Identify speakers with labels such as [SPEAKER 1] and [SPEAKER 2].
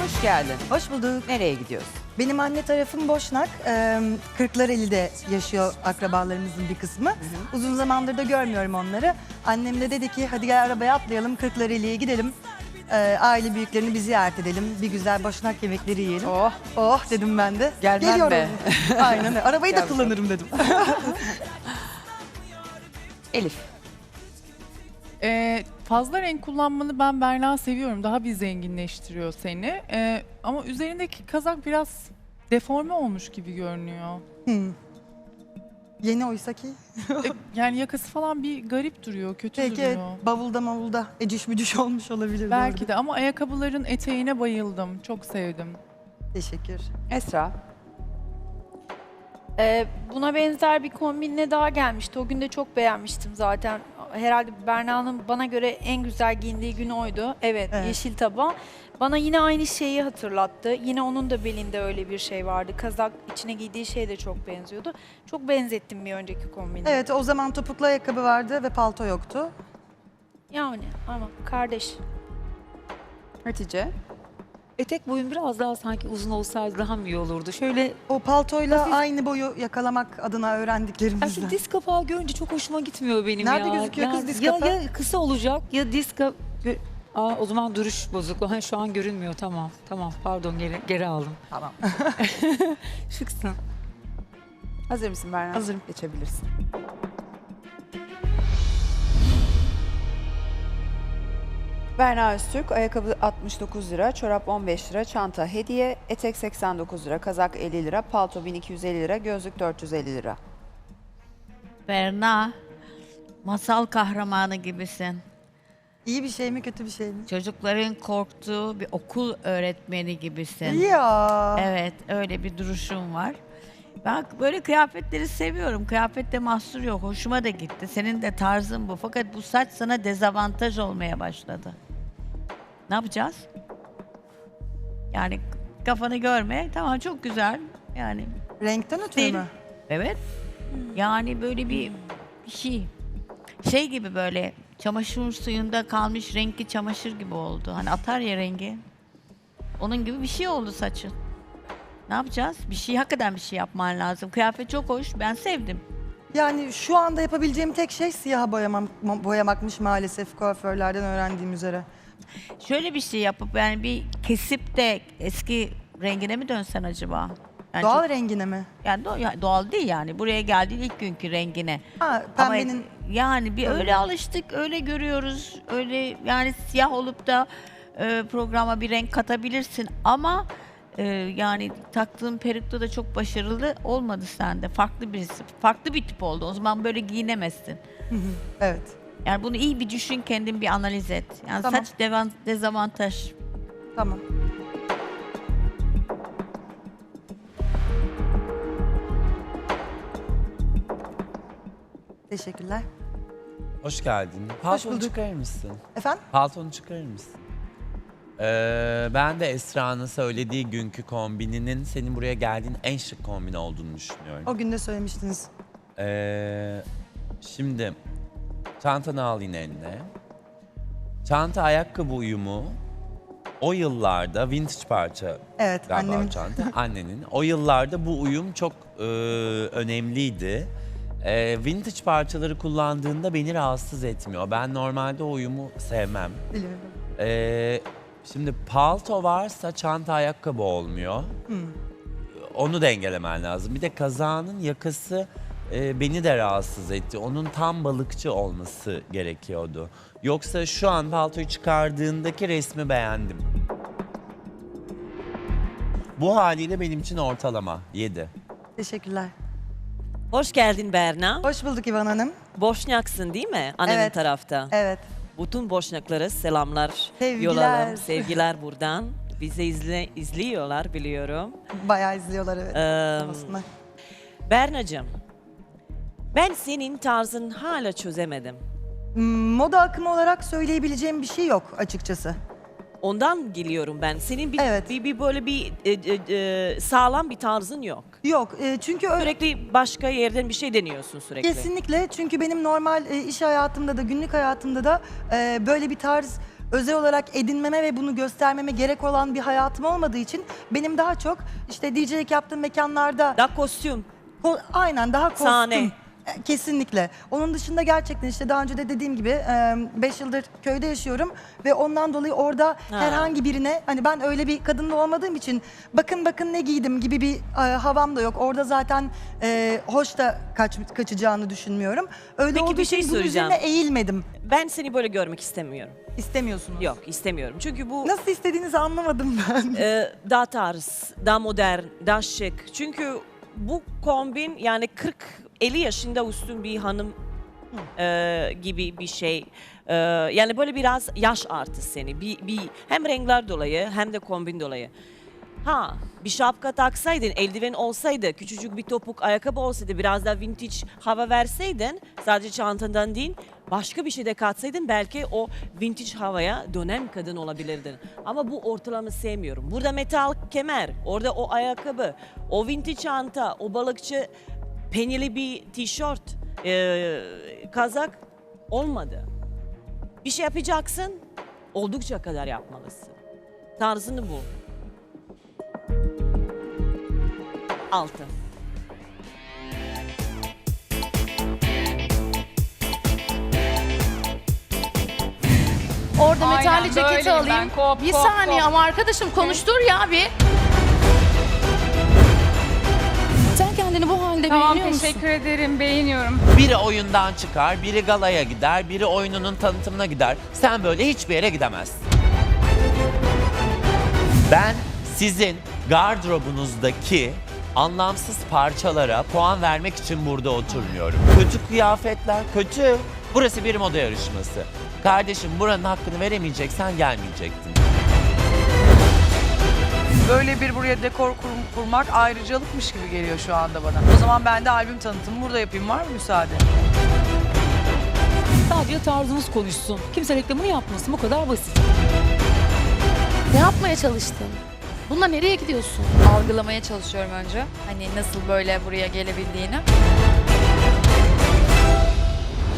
[SPEAKER 1] Hoş geldin.
[SPEAKER 2] Hoş bulduk.
[SPEAKER 1] Nereye gidiyorsun?
[SPEAKER 2] Benim anne tarafım Boşnak. Kırklareli'de yaşıyor akrabalarımızın bir kısmı. Uzun zamandır da görmüyorum onları. Annem de dedi ki hadi gel arabaya atlayalım Kırklareli'ye gidelim. Aile büyüklerini bir ziyaret edelim. Bir güzel Boşnak yemekleri yiyelim.
[SPEAKER 1] Oh.
[SPEAKER 2] Oh dedim ben de.
[SPEAKER 1] Gelmem
[SPEAKER 2] Geliyorum.
[SPEAKER 1] be.
[SPEAKER 2] Aynen öyle. Arabayı da
[SPEAKER 1] Gel
[SPEAKER 2] kullanırım dedim.
[SPEAKER 1] Elif.
[SPEAKER 3] Fazla renk kullanmanı ben Berna seviyorum. Daha bir zenginleştiriyor seni. Ama üzerindeki kazak biraz deforme olmuş gibi görünüyor.
[SPEAKER 2] Yeni oysa ki.
[SPEAKER 3] Yani yakası falan bir garip duruyor, kötü
[SPEAKER 2] Belki
[SPEAKER 3] duruyor.
[SPEAKER 2] bavulda mavulda eciş bücüş olmuş olabilir.
[SPEAKER 3] Belki
[SPEAKER 2] doğru.
[SPEAKER 3] de ama ayakkabıların eteğine bayıldım. Çok sevdim.
[SPEAKER 2] Teşekkür.
[SPEAKER 1] Esra.
[SPEAKER 4] Buna benzer bir kombinle daha gelmişti. O gün de çok beğenmiştim zaten. Herhalde Berna'nın bana göre en güzel giyindiği gün oydu. Evet,
[SPEAKER 2] Evet.
[SPEAKER 4] yeşil taban. Bana yine aynı şeyi hatırlattı. Yine onun da belinde öyle bir şey vardı. Kazak içine giydiği şey de çok benziyordu. Çok benzettim bir önceki kombine.
[SPEAKER 2] Evet o zaman topuklu ayakkabı vardı ve palto yoktu.
[SPEAKER 4] Yani ama kardeş.
[SPEAKER 1] Hatice.
[SPEAKER 5] Etek boyun biraz daha sanki uzun olsaydı daha mı iyi olurdu? Şöyle
[SPEAKER 2] O paltoyla aynı boyu yakalamak adına
[SPEAKER 5] ya
[SPEAKER 2] öğrendiklerimizden.
[SPEAKER 5] şu diz kapağı görünce çok hoşuma gitmiyor benim ya.
[SPEAKER 2] Nerede gözüküyor kız diz
[SPEAKER 5] ya,
[SPEAKER 2] kapağı?
[SPEAKER 5] ya kısa olacak ya diz kapağı. O zaman duruş bozukluğu. Ha, şu an görünmüyor. Tamam. Tamam. Pardon geri aldım.
[SPEAKER 2] Tamam.
[SPEAKER 5] Şıksın.
[SPEAKER 1] Hazır mısın Berna?
[SPEAKER 2] Hazırım.
[SPEAKER 1] Geçebilirsin. Berna Öztürk, ayakkabı 69 lira, çorap 15 lira, çanta hediye, etek 89 lira, kazak 50 lira, palto 1250 lira, gözlük 450 lira.
[SPEAKER 6] Berna, masal kahramanı gibisin.
[SPEAKER 2] İyi bir şey mi kötü bir şey mi?
[SPEAKER 6] Çocukların korktuğu bir okul öğretmeni gibisin.
[SPEAKER 2] Ya.
[SPEAKER 6] Evet, öyle bir duruşun var. Ben böyle kıyafetleri seviyorum. Kıyafette mahsur yok. Hoşuma da gitti. Senin de tarzın bu. Fakat bu saç sana dezavantaj olmaya başladı. Ne yapacağız? Yani kafanı görme. Tamam, çok güzel. Yani
[SPEAKER 2] Renkten ötürü
[SPEAKER 6] Değil.
[SPEAKER 2] mü?
[SPEAKER 6] evet. Yani böyle bir şey gibi, böyle çamaşır suyunda kalmış renkli çamaşır gibi oldu. Hani atar ya rengi. Onun gibi bir şey oldu saçın. Ne yapacağız? Hakikaten bir şey yapman lazım. Kıyafet çok hoş. Ben sevdim.
[SPEAKER 2] Yani şu anda yapabileceğim tek şey siyaha boyamakmış maalesef kuaförlerden öğrendiğim üzere.
[SPEAKER 6] Şöyle bir şey yapıp yani bir kesip de eski rengine mi dönsen acaba? Yani
[SPEAKER 2] Doğal
[SPEAKER 6] çok-
[SPEAKER 2] rengine mi?
[SPEAKER 6] yani doğal değil yani. Buraya geldiğin ilk günkü rengine.
[SPEAKER 2] Ha
[SPEAKER 6] Ama
[SPEAKER 2] pembenin
[SPEAKER 6] yani bir öyle alıştık, öyle görüyoruz. Öyle yani siyah olup da programa bir renk katabilirsin ama yani taktığın perukta da çok başarılı olmadı sende. Farklı bir tip oldu. O zaman böyle giyinemezsin.
[SPEAKER 2] evet.
[SPEAKER 6] Yani bunu iyi bir düşün, kendin bir analiz et. Yani
[SPEAKER 2] Tamam.
[SPEAKER 6] saç dezavantaj.
[SPEAKER 2] Tamam. Teşekkürler.
[SPEAKER 7] Hoş geldin. Paltonu
[SPEAKER 2] bulduk.
[SPEAKER 7] çıkarır mısın?
[SPEAKER 2] Efendim?
[SPEAKER 7] Paltonu çıkarır mısın? Ben de Esra'nın söylediği günkü kombininin senin buraya geldiğin en şık kombin olduğunu düşünüyorum.
[SPEAKER 2] O gün de söylemiştiniz.
[SPEAKER 7] Şimdi çantanı al yine eline. Çanta ayakkabı uyumu o yıllarda vintage parça
[SPEAKER 2] Evet
[SPEAKER 7] galiba
[SPEAKER 2] annemin.
[SPEAKER 7] o çanta annenin. O yıllarda bu uyum çok önemliydi. Vintage parçaları kullandığında beni rahatsız etmiyor. Ben normalde o uyumu sevmem.
[SPEAKER 2] Biliyorum.
[SPEAKER 7] Şimdi palto varsa çanta ayakkabı olmuyor. Onu dengelemen lazım. Bir de kazağının yakası beni de rahatsız etti. Onun tam balıkçı olması gerekiyordu. Yoksa şu an paltoyu çıkardığındaki resmi beğendim. Bu haliyle benim için ortalama 7.
[SPEAKER 2] Teşekkürler.
[SPEAKER 8] Hoş geldin Berna.
[SPEAKER 2] Hoş bulduk İvan Hanım.
[SPEAKER 8] Boşnaksın değil mi? Annenin
[SPEAKER 2] Evet.
[SPEAKER 8] tarafta.
[SPEAKER 2] Evet.
[SPEAKER 8] Bütün Boşnaklara selamlar
[SPEAKER 2] Sevgiler.
[SPEAKER 8] yollayalım. Sevgiler buradan. Bizi izliyorlar biliyorum.
[SPEAKER 2] Bayağı izliyorlar evet.
[SPEAKER 8] Ee,
[SPEAKER 2] Aslında.
[SPEAKER 8] Bernacığım, ben senin tarzın hala çözemedim.
[SPEAKER 2] Moda akımı olarak söyleyebileceğim bir şey yok açıkçası.
[SPEAKER 8] Ondan geliyorum ben. Senin
[SPEAKER 2] Evet.
[SPEAKER 8] bir böyle bir sağlam bir tarzın yok.
[SPEAKER 2] Yok çünkü öyle
[SPEAKER 8] Sürekli başka yerden bir şey deniyorsun sürekli.
[SPEAKER 2] kesinlikle çünkü benim normal iş hayatımda da günlük hayatımda da böyle bir tarz özel olarak edinmeme ve bunu göstermeme gerek olan bir hayatım olmadığı için benim daha çok işte DJ'lik yaptığım mekanlarda
[SPEAKER 8] Da kostüm.
[SPEAKER 2] aynen daha kostüm.
[SPEAKER 8] Sahne.
[SPEAKER 2] Kesinlikle. Onun dışında gerçekten işte daha önce de dediğim gibi 5 yıldır köyde yaşıyorum ve ondan dolayı orada herhangi birine hani ben öyle bir kadınla olmadığım için bakın ne giydim gibi bir havam da yok. Orada zaten hoş da kaçacağını düşünmüyorum. Öyle
[SPEAKER 8] Peki,
[SPEAKER 2] olduğu
[SPEAKER 8] bir şey
[SPEAKER 2] için bunun
[SPEAKER 8] soracağım.
[SPEAKER 2] üzerine eğilmedim.
[SPEAKER 8] Ben seni böyle görmek istemiyorum.
[SPEAKER 2] İstemiyorsunuz.
[SPEAKER 8] Yok, istemiyorum. Çünkü bu
[SPEAKER 2] Nasıl istediğinizi anlamadım ben.
[SPEAKER 8] daha tarz, daha modern, daha şık. Çünkü bu kombin yani 40-50 yaşında üstün bir hanım gibi bir şey. Yani böyle biraz yaş artı seni. Hem renkler dolayı hem de kombin dolayı. Ha, bir şapka taksaydın, eldiven olsaydı, küçücük bir topuk ayakkabı olsaydı, biraz da vintage hava verseydin, sadece çantandan değil, başka bir şey de katsaydın belki o vintage havaya dönen kadın olabilirdin. Ama bu ortalama sevmiyorum. Burada metal kemer, orada o ayakkabı, o vintage çanta, o balıkçı penyeli bir tişört, kazak olmadı. Bir şey yapacaksın, oldukça kadar yapmalısın. Tarzını bu. 6.
[SPEAKER 9] Orada
[SPEAKER 10] Aynen,
[SPEAKER 9] metalli ceketi
[SPEAKER 10] böyleyim
[SPEAKER 9] alayım.
[SPEAKER 10] ben. Kop,
[SPEAKER 9] Bir
[SPEAKER 10] kop,
[SPEAKER 9] saniye
[SPEAKER 10] kop.
[SPEAKER 9] ama arkadaşım konuştur ya bir. Sen kendini bu halde
[SPEAKER 10] Tamam,
[SPEAKER 9] beğeniyor musun?
[SPEAKER 10] teşekkür ederim. Beğeniyorum.
[SPEAKER 7] Biri oyundan çıkar, biri galaya gider, biri oyununun tanıtımına gider. Sen böyle hiçbir yere gidemezsin. Ben sizin gardırobunuzdaki anlamsız parçalara puan vermek için burada oturmuyorum. Kötü kıyafetler, kötü. Burası bir moda yarışması. Kardeşim buranın hakkını veremeyeceksen gelmeyecektin.
[SPEAKER 11] Böyle bir buraya dekor kurmak ayrıcalıkmış gibi geliyor şu anda bana. O zaman ben de albüm tanıtımı burada yapayım. Var mı müsaade?
[SPEAKER 5] Sadece tarzımız konuşsun. Kimse reklamını yapmasın. Bu kadar basit.
[SPEAKER 9] Ne yapmaya çalıştın? Bununla nereye gidiyorsun?
[SPEAKER 10] Algılamaya çalışıyorum önce. Hani nasıl böyle buraya gelebildiğini.